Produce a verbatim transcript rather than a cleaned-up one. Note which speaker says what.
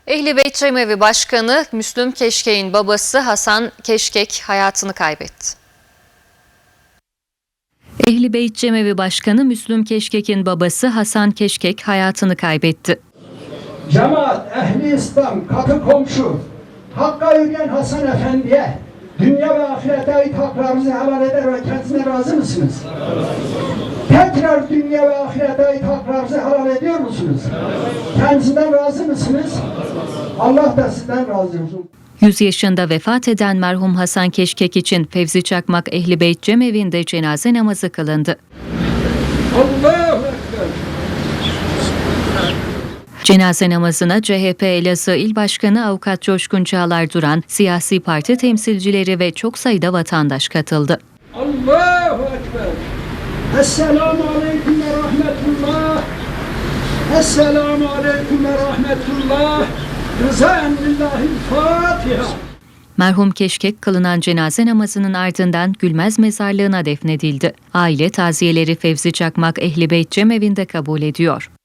Speaker 1: Ehli Beyt Cemevi Başkanı Müslüm Keşkek'in babası Hasan Keşkek hayatını kaybetti. Ehli Beyt Cemevi Başkanı Müslüm Keşkek'in babası Hasan Keşkek hayatını kaybetti.
Speaker 2: Cemaat, ehli İslam, kapı komşu, Hakk'a yürüyen Hasan Efendi'ye dünya ve ahirete ait haklarınızı helal eder ve kendisine razı mısınız? Tekrar dünya ve ahirete ait haklarınızı helal ediyor musunuz? Kendisinden razı mısınız? Allah da sizden razı olsun.
Speaker 1: yüz yaşında vefat eden merhum Hasan Keşkek için Fevzi Çakmak Ehli Beyt Cemevi'nde cenaze namazı kılındı.
Speaker 2: Allahu Ekber.
Speaker 1: Cenaze namazına C H P Elazığ İl Başkanı Avukat Coşkun Çağlar Duran, siyasi parti temsilcileri ve çok sayıda vatandaş katıldı.
Speaker 2: Allahu Ekber. Esselamu Aleyküm ve Rahmetullah. Esselamu Aleyküm ve Rahmetullah. Rızaen lillahi'l Fatiha.
Speaker 1: Merhum Keşkek kılınan cenaze namazının ardından Gülmez Mezarlığı'na defnedildi. Aile taziyeleri Fevzi Çakmak Ehli Beyt Cemevi'nde kabul ediyor.